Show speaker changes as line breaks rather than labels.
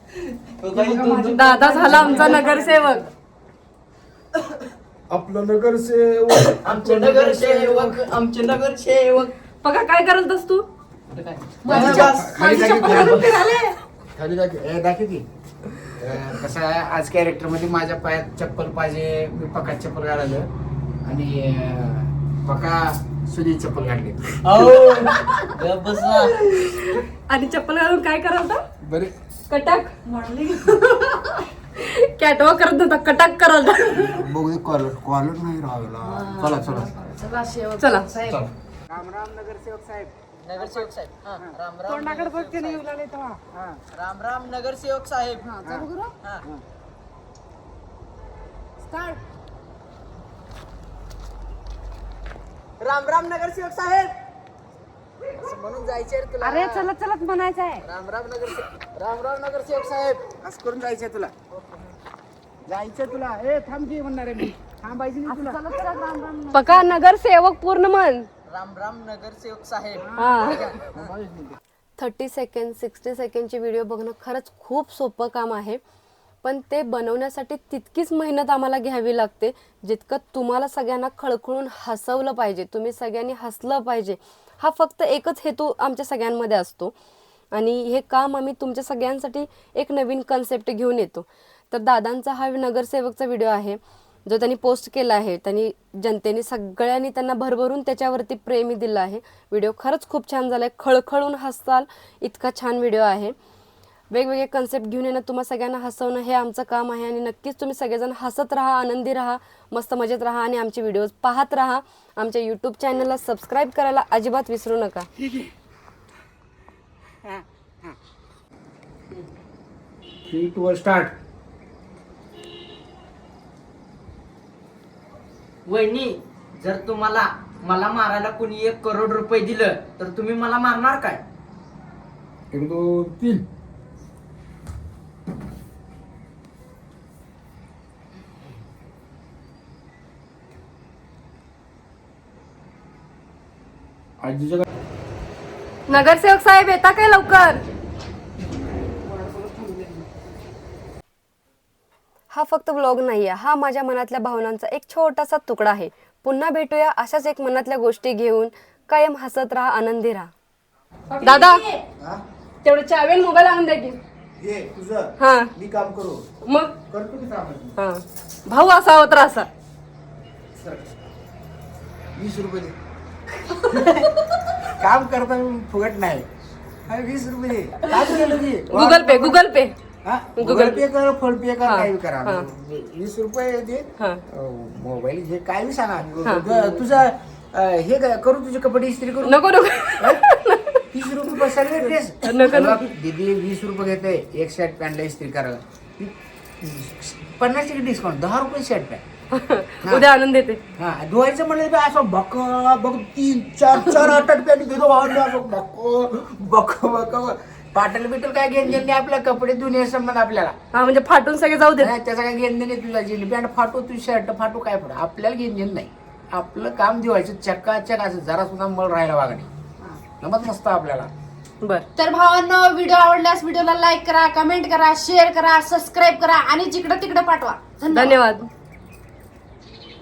दादा झाला आमचा नगरसेवक.
आपलं नगरसेवक,
आमचे नगरसेवक, आमचे नगरसेवक.
बघा काय करत असतो तू.
खाली दाखव की. कसं आहे आज कॅरेक्टर मध्ये माझ्या पायात चप्पल पाहिजे, मी पका चप्पल घालायला आणि पका सुधी चप्पल घातली.
आणि चप्पल घालून काय करत होता.
बरे
कटाक कॅटवा करत होता. कटाक करत
बघू कॉलर कॉलर नाही राहायला. चला
चला.
राम राम नगरसेवक साहेब.
नगरसेवक साहेब. हा, राम राम.
तोंडाकडे बघते नाही लागले तेव्हा.
राम राम नगरसेवक साहेब. हा. राम राम नगरसेवक साहेब. असं म्हणून जायचंय रे तुला.
अरे चलत चलत म्हणायचं आहे.
राम राम नगरसेवक साहेब.
असं करून जायचंय तुला. जायचंय तुला. ए थांब की म्हणणार आहे मी. थांबायचं नाही तुला.
पका नगरसेवक पूर्ण म्हण.
राम राम नगरसेवक साहेब.
हा. 30 सेकंड 60 सेकंडची व्हिडिओ बघणं खरंच खूप सोपं काम आहे, पण ते बनवण्यासाठी तितकीच मेहनत आम्हाला घ्यावी लागते जितकं तुम्हाला सगळ्यांना खळखळून हसवलं पाहिजे, तुम्ही सगळ्यांनी हसलं पाहिजे. हा फक्त एकच हेतू आमच्या सगळ्यांमध्ये असतो आणि हे काम आम्ही तुमच्या सगळ्यांसाठी एक नवीन कन्सेप्ट घेऊन येतो. तर दादांचा हा नगरसेवकचा व्हिडिओ आहे जो त्यांनी पोस्ट केला आहे. त्यांनी जनतेने सगळ्यांनी त्यांना भरभरून त्याच्यावरती प्रेमी दिलं आहे. व्हिडिओ खरंच खूप छान झाला आहे. खळखळून हसाल इतका छान व्हिडिओ आहे. वेगवेगळे कन्सेप्ट घेऊन येणं, तुम्हा सगळ्यांना हसवणं हे आमचं काम आहे आणि नक्कीच तुम्ही सगळेजण हसत राहा, आनंदी राहा, मस्त मजेत राहा आणि आमचे व्हिडिओज पाहत राहा. आमच्या यूट्यूब चॅनलला सबस्क्राईब करायला अजिबात विसरू नका.
3 2 स्टार्ट.
वहिनी, जर तुम्हाला मला मारायला कोणी 1 करोड रुपये दिलं तर तुम्ही मला मारणार काय?
1 2 3. आजीच्या
नगरसेवक साहेब येता काय लवकर. हा फक्त व्लॉग नाही आहे, हा माझ्या मनातल्या भावनांचा एक छोटासा तुकडा आहे. पुन्हा भेटूया अशाच एक मनातल्या गोष्टी घेऊन. कायम हसत राहा, आनंदी राहा. दादा तेवढं चावेल मोबाईल आणून द्या की.
हे तुझं
हा
मी काम करू
मग.
करतो की काम.
हा भाऊ असावा तर असा.
20 रुपये दे. काम करता फुगट नाही. 20 रुपये दे. काय केलं की
Google Pay Google Pay.
Google Pay कर, फोन पे कर,
हा,
काही करा.
हा.
20 रुपये दे.
हा.
मोबाईल घे, काय बी सांगा. तुझा हे करू, तुझी कपडे इस्त्री करू.
नको नको
30 रुपये बसायला ड्रेस.
नको.
दीदी 20 रुपये घेते एक शर्ट पॅन्टला इस्त्री करायला. 50% डिस्काउंट, 10 रुपये शर्ट पॅन्ट.
उद्या आणून देते.
हा धुवायचं म्हणलं असं बक बघ 3 4 8 पॅन्ट घेतो बक पाटल बिटल काय घेणं नाही. आपल्या कपडे धुणे संबंध आपल्याला.
हा म्हणजे फाटून सगळे जाऊ दे.
त्याचा काय घेणं नाही. तुझा जीन पॅन्ट फाटू, तुझी शर्ट फाटू, काय फाटू, आपल्याला घेणं नाही. आपलं काम धुवायचं चक्काचक असं, जरा सुद्धा मळ राहायला वागणे नमत नसतं आपल्याला.
बर
तर भावांनो, व्हिडिओ आवडल्यास व्हिडिओला लाईक करा, कमेंट करा, शेअर करा, सबस्क्राईब करा आणि जिकडं तिकडं पाठवा.
धन्यवाद.